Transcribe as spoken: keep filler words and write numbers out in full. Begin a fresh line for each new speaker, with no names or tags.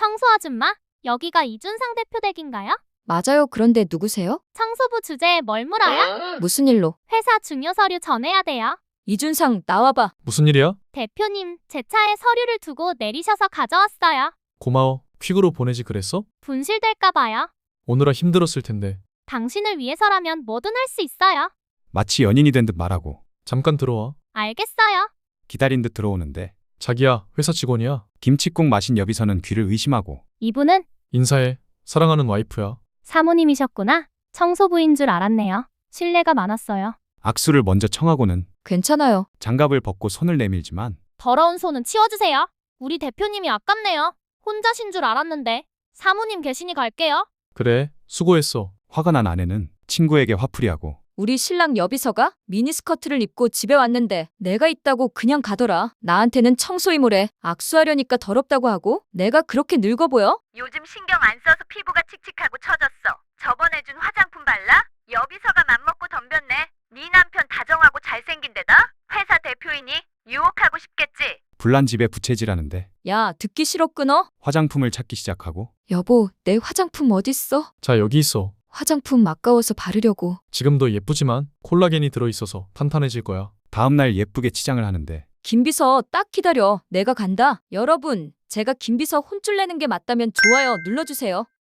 청소 아줌마, 여기가 이준상 대표 댁인가요?
맞아요. 그런데 누구세요?
청소부 주제에 뭘 물어요?
무슨 일로?
회사 중요 서류 전해야 돼요.
이준상, 나와봐.
무슨 일이야?
대표님, 제 차에 서류를 두고 내리셔서 가져왔어요.
고마워. 퀵으로 보내지 그랬어?
분실될까 봐요.
오느라 힘들었을 텐데.
당신을 위해서라면 뭐든 할 수 있어요.
마치 연인이 된 듯 말하고
잠깐 들어와.
알겠어요.
기다린 듯 들어오는데
자기야, 회사 직원이야.
김치국 마신 여비서는 귀를 의심하고
이분은
인사해. 사랑하는 와이프야.
사모님이셨구나. 청소부인 줄 알았네요. 신뢰가 많았어요.
악수를 먼저 청하고는
괜찮아요.
장갑을 벗고 손을 내밀지만
더러운 손은 치워주세요. 우리 대표님이 아깝네요. 혼자신 줄 알았는데. 사모님 계시니 갈게요.
그래, 수고했어.
화가 난 아내는 친구에게 화풀이하고
우리 신랑 여비서가 미니스커트를 입고 집에 왔는데 내가 있다고 그냥 가더라. 나한테는 청소이모래. 악수하려니까 더럽다고 하고 내가 그렇게 늙어 보여?
요즘 신경 안 써서 피부가 칙칙하고 처졌어. 저번에 준 화장품 발라? 여비서가 맘먹고 덤볐네. 네 남편 다정하고 잘생긴 데다 회사 대표이니 유혹하고 싶겠지.
불난 집에 부채질하는데
야, 듣기 싫어 끊어?
화장품을 찾기 시작하고
여보, 내 화장품 어딨어?
자, 여기 있어.
화장품 아까워서 바르려고.
지금도 예쁘지만 콜라겐이 들어있어서 탄탄해질 거야.
다음날 예쁘게 치장을 하는데
김비서 딱 기다려. 내가 간다. 여러분, 제가 김비서 혼쭐 내는 게 맞다면 좋아요 눌러주세요.